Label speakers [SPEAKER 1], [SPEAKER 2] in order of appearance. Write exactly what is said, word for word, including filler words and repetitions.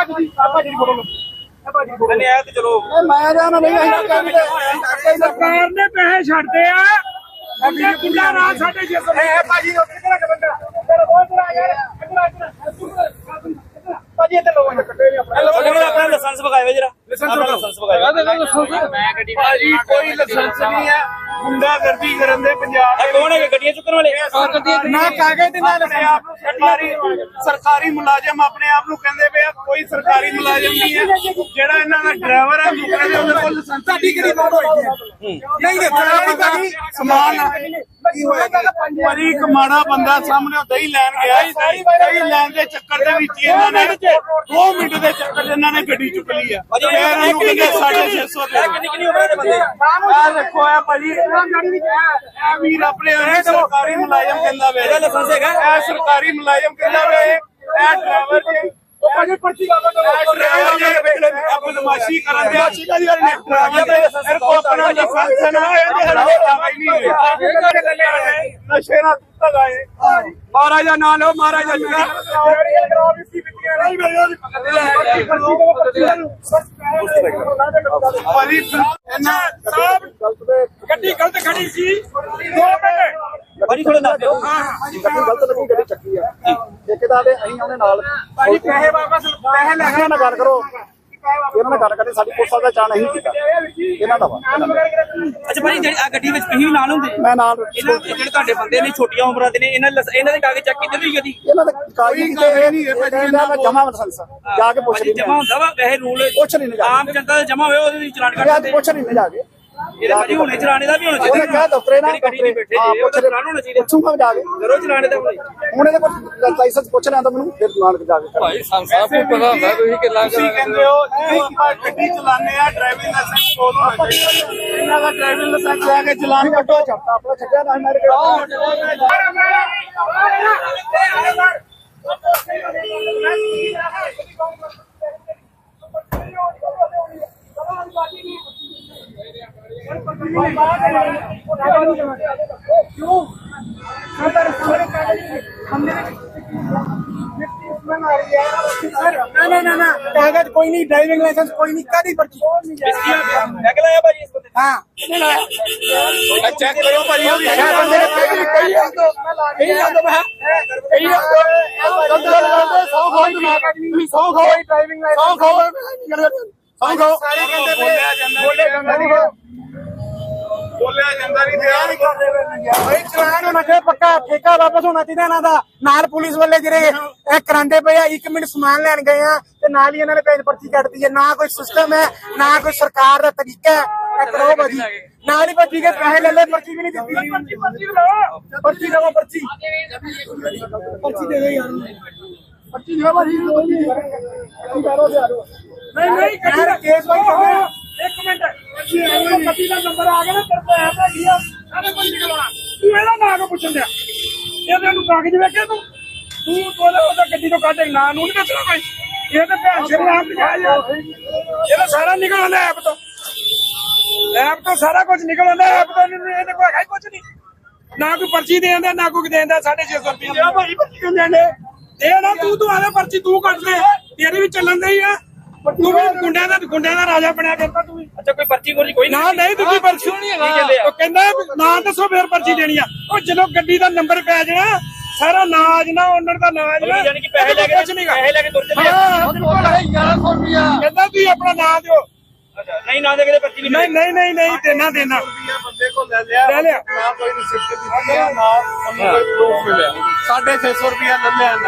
[SPEAKER 1] चलो सरकार ने पैसे छड्डे आ साढ़े छे सौ लाइसेंस बगाए जरा कोई लाइसेंस नहीं है गुंडागर्दी करन दे पंजाब कौन है गड्डियां चुकन वाले ना कागज ना सरकारी सरकारी मुलाजिम अपने आप ਨੂੰ ਕਹਿੰਦੇ ਪਏ ਆ ਕੋਈ ਸਰਕਾਰੀ ਮੁਲਾਜ਼ਮ ਨਹੀਂ ਹੈ ਜਿਹੜਾ ਇਹਨਾਂ ਦਾ ਡਰਾਈਵਰ ਹੈ ਦੂਸਰੇ ਦੇ ਉਹਦੇ ਕੋਲ ਲਾਇਸੈਂਸ ਸਾਡੀ ਕਿਹੜੀ ਲੋੜ ਹੋਈ ਹੈ ਨਹੀਂ ਨਹੀਂ ਸਮਾਨ ਕੀ ਹੋਏਗਾ ਭਾਜੀ ਇੱਕ ਮਾੜਾ ਬੰਦਾ ਸਾਹਮਣੇ ਦਹੀਂ ਲੈਣ ਗਿਆ ਦਹੀਂ ਲੈਣ ਦੇ ਚੱਕਰ ਦੇ ਵਿੱਚ ਇਹਨਾਂ ਨੇ ਦੋ ਮਿੰਟ ਦੇ ਚੱਕਰ ਦੇ ਇਹਨਾਂ ਨੇ ਗੱਡੀ ਚੁੱਕ ਲਈ ਆ ਫਿਰ ਇਹਨੂੰ ਕਹਿੰਦੇ ਸਾਢੇ ਛੇ ਸੌ ਕਿੰਨੀ ਕਿੰਨੀ ਉਮਰ ਦੇ ਬੰਦੇ ਆ ਦੇਖੋ ਆ ਭਾਜੀ ਇਹ ਵੀਰ ਆਪਣੇ ਸਰਕਾਰੀ ਮੁਲਾਜ਼ਮ ਕਹਿੰਦਾ ਵੇ ਲਾਇਸੈਂਸ ਹੈਗਾ ਇਹ ਸਰਕਾਰੀ ਮੁਲਾਜ਼ਮ ਕਹਿੰਦਾ ਵੇ ਇਹ ਡਰਾਈਵਰ ਜੀ ਭਾਜੀ ਪਰਚੀ ਲਾ ਦੋ ਡਰਾਈਵਰ ਜੀ ਆਪਣੀ ਨਮਾਸ਼ੀ ਕਰਨ ਦੇ ਅੱਛੀ ਗੱਲ ਯਾਰ ਨੇ ਫਿਰ ਕੋ ਆਪਣਾ ਲਾਇਸੈਂਸ ਨਾ ਇਹਦੇ ਹੱਲੇ ਕਾਗਜ਼ ਨਹੀਂ ਹੋਏ ਨਸ਼ੇ ਨਾਲ ਤੱਕ ਆਏ ਮਹਾਰਾਜਾ ਨਾ ਲਓ ਮਹਾਰਾਜਾ ਜੁਗਾ ਭਾਜੀ ਇਹਨਾਂ ਗੱਡੀ ਗਲਤ ਖੜੀ ਸੀ ਦੋ ਮਿੰਟ ਭਾਜੀ ਥੋੜਾ ਦੱਸ ਦਿਓ ਗੱਡੀ ਗਲਤ ਲੱਗੀ ਗੱਡੀ ਚੱਕੀ ਆ ਠੇਕੇਦਾਰ ਦੇ ਅਸੀਂ ਉਹਦੇ ਨਾਲ ਭਾਜੀ ਪੈਸੇ ਵਾਪਸ ਪੈਸੇ ਲੈ ਕੇ ਨਾ ਗੱਲ ਕਰੋ ਇਹਨਾਂ ਨਾਲ ਗੱਲ ਕਰਦੇ ਸਾਡੀ ਪੁਲਿਸ ਦਾ ਚਾਹ ਨਹੀਂ ਕੀਤਾ ਇਹਨਾਂ ਦਾ ਵਾ ਅੱਛਾ ਭਾਜੀ ਜਿਹੜੀ ਆ ਗੱਡੀ ਵਿੱਚ ਤੁਸੀਂ ਨਾਲ ਹੁੰਦੇ ਮੈਂ ਨਾਲ ਇਹਨਾਂ ਜਿਹੜੇ ਤੁਹਾਡੇ ਬੰਦੇ ਨੇ ਛੋਟੀਆਂ ਉਮਰਾਂ ਦੇ ਨੇ ਇਹਨਾਂ ਇਹਨਾਂ ਦੇ ਕਾਗਜ਼ ਚੈੱਕ ਕੀਤੇ ਹੋਈ ਗੱਡੀ ਇਹਨਾਂ ਦੇ ਕਾਗਜ਼ ਕਿਤੇ ਇਹ ਨਹੀਂ ਇਹਨਾਂ ਦਾ ਜਮਾ ਲਾਇਸੈਂਸ ਜਾ ਕੇ ਪੁੱਛ ਲਈ ਜਮਾ ਹੁੰਦਾ ਵਾ ਵੈਸੇ ਰੂਲ ਪੁੱਛ ਨਹੀਂ ਆਮ ਜਨਤਾ ਦਾ ਜਮਾ ਹੋਇਆ ਉਹਦੇ ਵਿੱਚ ਚਲਾਨ ਕੱਟਦੇ ਪੁੱਛ ਨਹੀਂ ਜਾ ਕੇ ਇਹਦੇ ਭਾਜੀ ਹੁਣੇ ਚਲਾਣੇ ਦਾ ਵੀ ਹੋਣਾ ਚਾਹੀਦਾ ਕਿਹਾ ਦਫ਼ਤਰੇ ਨਾਲ ਗੱਡੀ ਨਹੀਂ ਬੈਠੇ ਜੇ ਉਹ ਚਲਾਨ ਹੋਣਾ ਚਾਹੀਦਾ ਪੁੱਛੂਗਾ ਜਾ ਕੇ ਜ਼ਰੂਰ ਚਲਾਣੇ ਦਾ ਹੋਣਾ ਹੁਣ ਇਹਦੇ ਕੋਲ ਲਾਇਸੈਂਸ ਪੁੱਛ ਲਿਆ ਤਾਂ ਮੈਨੂੰ ਫਿਰ ਨਾਲ ਜਾ ਕੇ ਭਾਈ ਸਾਹਿਬ ਨੂੰ ਪਤਾ ਹੁੰਦਾ ਤੁਸੀਂ ਕਿੰਨਾ ਤੁਸੀਂ ਕਹਿੰਦੇ ਹੋ ਆਪਾਂ ਗੱਡੀ ਚਲਾਉਂਦੇ ਆ ਡਰਾਈਵਿੰਗ ਲਾਇਸੈਂਸ ਕੋਲ ਹੋਣਾ ਚਾਹੀਦਾ ਇਹਨਾਂ ਦਾ ਡਰਾਈਵਿੰਗ ਲਾਇਸੈਂਸ ਲੈ ਕੇ ਚਲਾਨ ਕੱਟੋ ਆਪਣਾ ਛੱਡਿਆ ਨਾ ਮੇਰੇ ਕੋਲ कागज कोई नहीं ड्राइविंग लाइसेंस कोई नहीं कभी पर्ची हाँ चेक करो बोलिया जाता नहीं भाई चलान होना चाहिए पक्का ठेका वापस होना चाहिए इन्हां दा नाल पुलिस वाले जिहड़े ए करांदे पए आ एक मिनट समान लैन गए आ ते नाल ही इन्हां ने पेज पर्ची कटदी है ना कोई सिस्टम है ना कोई सरकार दा तरीका है ए करो भाजी नाल ही पर्ची के पैसे ले ले पर्ची भी नहीं दी पर्ची पर्ची लो पर्ची लो पर्ची पर्ची दे दो यार पर्ची दो भाजी नहीं नहीं केस भाई एक मिनट पति का नंबर आ गया ना तेरे को ऐसा किया सारे कोई निकलवाना तू एदा ना को पूछन दिया ਇਹਦੇ ਨੂੰ ਕਾਗਜ਼ ਵੇਖੇ ਤੂੰ ਤੂੰ ਕੋਲੇ ਉਹਦਾ ਗੱਡੀ ਤੋਂ ਕੱਢ ਨਾ ਨੂੰ ਨਹੀਂ ਦੱਸਣਾ ਕੋਈ ਇਹ ਤਾਂ ਭੈਣ ਸ਼ਰੇ ਆਪ ਦਿਖਾਇਆ ਯਾਰ ਇਹ ਤਾਂ ਸਾਰਾ ਨਿਕਲ ਆਉਂਦਾ ਐਪ ਤੋਂ ਐਪ ਤੋਂ ਸਾਰਾ ਕੁਝ ਨਿਕਲ ਆਉਂਦਾ ਐਪ ਤੋਂ ਇਹਦੇ ਕੋਲ ਹੈ ਕੁਝ ਨਹੀਂ ਨਾ ਕੋਈ ਪਰਚੀ ਦੇ ਦਿੰਦਾ ਨਾ ਕੋਈ ਦੇਂਦਾ ਸਾਢੇ ਛੇ ਸੌ ਰੁਪਏ ਆ ਭਾਈ ਪਰਚੀ ਕਿਉਂ ਦੇਂਦੇ ਇਹ ਨਾ ਤੂੰ ਤੂੰ ਆਲੇ ਪਰਚੀ ਤੂੰ ਕੱਢ ਲੈ ਤੇਰੇ ਵੀ ਚੱਲਣ ਦੇ ਹੀ ਆ ਤੂੰ ਵੀ ਗੁੰਡਿਆਂ ਦਾ ਗੁੰਡਿਆਂ ਦਾ ਰਾਜਾ ਬਣਿਆ ਫਿਰਦਾ ਤੂੰ ਵੀ ਅੱਛਾ ਕੋਈ ਪਰਚੀ ਕੋਈ ਕੋਈ ਨਾ ਨਹੀਂ ਦੂਜੀ ਪਰਚੀ ਨਹੀਂ ਹੈਗਾ ਉਹ ਕਹਿੰਦਾ ਨਾ ਦੱਸੋ ਫੇਰ ਪਰਚੀ ਦੇਣੀ ਆ ਉਹ ਜਦੋਂ ਗੱਡੀ ਦਾ ਨੰਬਰ ਪੈ ਜਾਣਾ ਸਾਰਾ ਨਾਜ ਨਾ ਓਨਰ ਦਾ ਨਾਜ ਨਾ ਯਾਨੀ ਕਿ ਪੈਸੇ ਲੈ ਕੇ ਕੁਝ ਨਹੀਂ ਪੈਸੇ ਲੈ ਕੇ ਤੁਰ ਚੱਲੇ ਗਿਆਰਾਂ ਸੌ ਰੁਪਿਆ ਕਹਿੰਦਾ ਤੁਸੀਂ ਆਪਣਾ ਨਾਂ ਦਿਓ ਅੱਛਾ ਨਹੀਂ ਨਾ ਦੇ ਕੇ ਪਰਚੀ ਨਹੀਂ ਨਹੀਂ ਨਹੀਂ ਨਹੀਂ ਦੇਣਾ ਦੇਣਾ ਬੰਦੇ ਕੋਲ ਲੈ ਲਿਆ ਲੈ ਲਿਆ ਨਾ ਕੋਈ ਰਿਸਿਪਟ ਦਿੱਤੀ ਨਾ ਉਹਨੂੰ ਕੋਈ ਪ੍ਰੂਫ ਮਿਲਿਆ ਸਾਢੇ ਛੇ ਸੌ ਰੁਪਿਆ ਲੈ ਲਿਆ